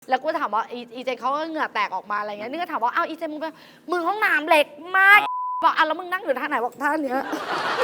แล้วกูถามว่าอีเจเขาก็เหงื่อแตกออกมาอะไรเงี้ยนี่ก็ถามว่าอ้าวอีเจมึงไปมึงห้องน้ำเล็กมากบอกอ่ะแล้วมึงนั่งอยู่ท่าไหนบอกท่าเนี้ย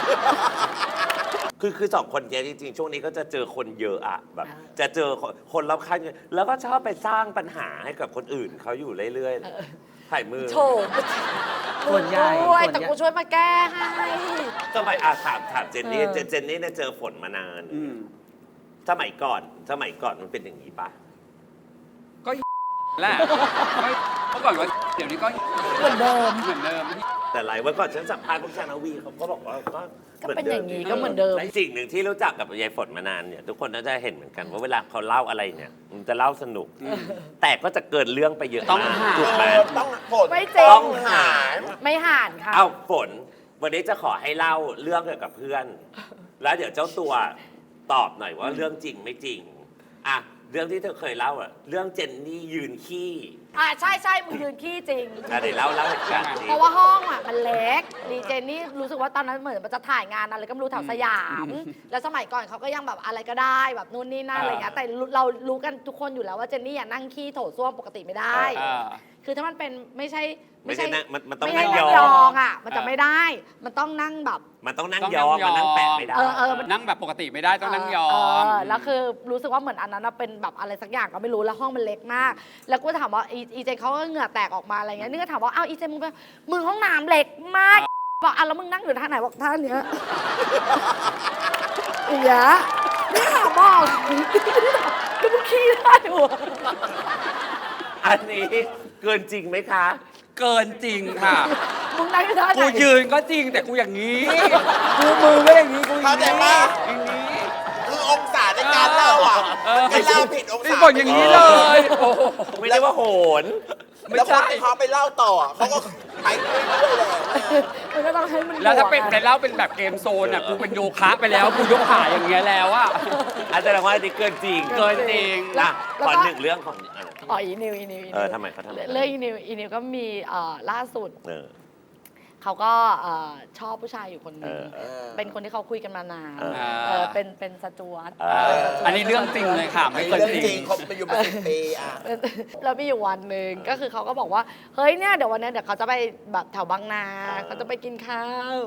คือสองคนเนี้ยจริงๆช่วงนี้ก็จะเจอคนเยอะอะแบบจะเจอคนรอบข้างเยอะแล้วก็ชอบไปสร้างปัญหาให้กับคนอื่นเขาอยู่เรื่อยๆถ่ายมือโถส่วนใหญ่แต่กูช่วยมาแก้ให้สมัยถามเจนนี่เนี่ยเจอฝนมานานสมัยก่อนมันเป็นอย่างนี้ปะก็แหละเมื่อก่อนว่าเดี๋ยวนี้ก็เหมือนเดิมแต่หลายวันก่อนฉันสัมภาษณ์พวกชานาวีเขาก็บอกว่าก็เป็นอย่างนี้ก็เหมือนเดิมและสิ่งหนึ่งที่รู้จักกับยายฝนมานานเนี่ยทุกคนน่าจะเห็นเหมือนกันว่าเวลาเขาเล่าอะไรเนี่ยมันจะเล่าสนุกแต่ก็จะเกินเรื่องไปเยอะมากถูกไหมต้องฝนไม่จริงต้องหารไม่หารค่ะเอาฝนวันนี้จะขอให้เล่าเรื่องเกี่ยวกับเพื่อนแล้วเดี๋ยวเจ้าตัวตอบหน่อยว่าเรื่องจริงไม่จริงอ่ะเรื่องที่เธอเคยเล่าอะเรื่องเจนนี่ยืนขี้ใช่มึงยืนขี้จริงเดี๋ยวเล่าเหตุการณ์เพราะว่าห้องอ่ะมันเล็กดีเจนนี่รู้สึกว่าตอนนั้นเหมือนมันจะถ่ายงานอะไรก็ไม่รู้แถวสยามแล้วสมัยก่อนเขาก็ยังแบบอะไรก็ได้แบบนู่นนี่นั่นอะไรเงี้ยแต่เรารู้กันทุกคนอยู่แล้วว่าเจนนี่นั่งขี้โถส้วมปกติไม่ได้คือถ้ามันเป็นไม่ใช่มันต้องนั่งยองอ่ะมันจะไม่ได้มันต้องนั่งแบบมันต้องนั่งยองมันนั่งแปะไม่ได้นั่งแบบปกติไม่ได้ต้องนั่งยองแล้วคือรู้สึกว่าเหมือนอันนั้นเป็นแบบอะไรสักอย่างก็ไม่รู้แล้วห้องมันเล็กมากแล้วกูถามว่าอีเจเขาก็เหงื่อแตกออกมาอะไรเงี้ยนี่ก็ถามว่าอ้าวอีเจมึงไปมึงห้องน้ำเล็กมากบอกอ่ะแล้วมึงนั่งอยู่ท่าไหนบอกท่าเนี้ยอย่างเงี้ยนี่ถามบอกแล้วมึงขี้ได้หัวอันนี้เกินจริงไหมคะเกินจริงค่ะมึงนั่งอยู่ท่าไหนกูยืนก็จริงแต่กูอย่างนี้กูมือก็อย่างนี้กูเข้าใจปะอย่างนี้คือองศาในการเล่าอ่ะไม่เล่าผิดองศาบอกอย่างนี้เลยไม่ได้ว่าโหนแล้วคนที่เขาไปเล่าต่อเขาก็ไปเรื่อยๆเลยมันก็ต้องให้มันแล้วถ้าเป็นในเล่าเป็นแบบเกมโซนอ่ะกูเป็นโยคะไปแล้วกูยกขาอย่างเงี้ยแล้วอ่ะอาจารย์ว่านี่เกินจริงเกินจริงขอหนึ่งเรื่องของอีนิวทำไมเขาทำเรื่องอีนิวก็มีล่าสุดเขาก็ชอบผู้ชายอยู่คนหนึ่งเป็นคนที่เขาคุยกันมานานเป็นสจวตอันนี้เรื่องจริงเลยค่ะไม่เกินจริงเขาไปอยู่มา10 ปีแล้วมีอยู่วันหนึ่งก็คือเขาก็บอกว่าเฮ้ยเนี่ยเดี๋ยววันนี้เดี๋ยวเขาจะไปแบบแถวบางนาเขาจะไปกินข้าว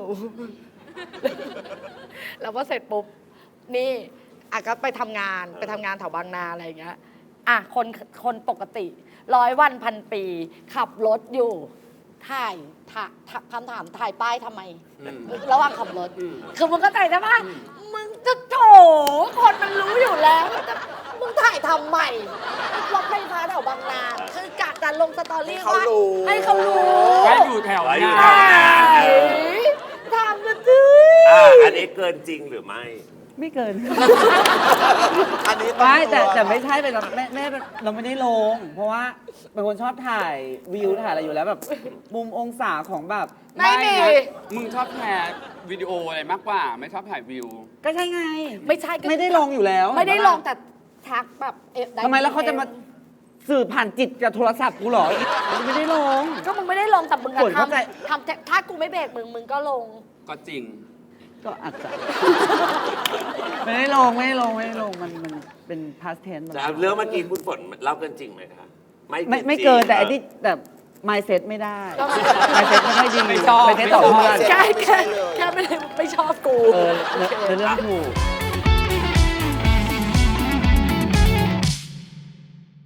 แล้วพอเสร็จปุ๊บนี่ก็ไปทำงานแถวบางนาอะไรอย่างเงี้ยคนปกติ100 วันพันปีขับรถอยู่ถ่ายคำถามถ่ายป้ายทำไมระหว่างขับรถคือมึงก็ใจใช่ปะมึงจะโถคนมันรู้อยู่แล้วมึงถ่ายทำใหม่รถไฟฟ้าแถวบางนาคือกะจะลงสตอรี่ว่าให้เขารู้ให้อยู่แถวนาทำกันจื้อันนี้เกินจริงหรือไม่เกินอันนี้ไม่แต่ไม่ใช่เป็นแม่เราไม่ได้ลงเพราะว่าเป็นคนชอบถ่ายวิวถ่ายอะไรอยู่แล้วแบบมุมองศาของแบบไม่มีมึงชอบถ่ายวิดีโออะไรมากกว่าไม่ชอบถ่ายวิวก็ใช่ไงไม่ใช่ไม่ได้ลงอยู่แล้วไม่ได้ลงแต่ทักแบบทำไมแล้วเขาจะมาสื่อผ่านจิตกับโทรศัพท์กูหรอไม่ได้ลงก็มึงไม่ได้ลงแต่มึงทำถ้ากูไม่เบรกมึงก็ลงก็จริงก็อาจจะไม่ได้ลงมันเป็น past tense เรื่องเมื่อกี้คุณฝนเล่ากันจริงไหมคะไม่เกินแต่ที่แบบ mindset ไม่ได้ mindset ไม่ค่อยดีไม่ชอบ mindset ต่อเพื่อนแค่ไม่ชอบกูเรื่องถูก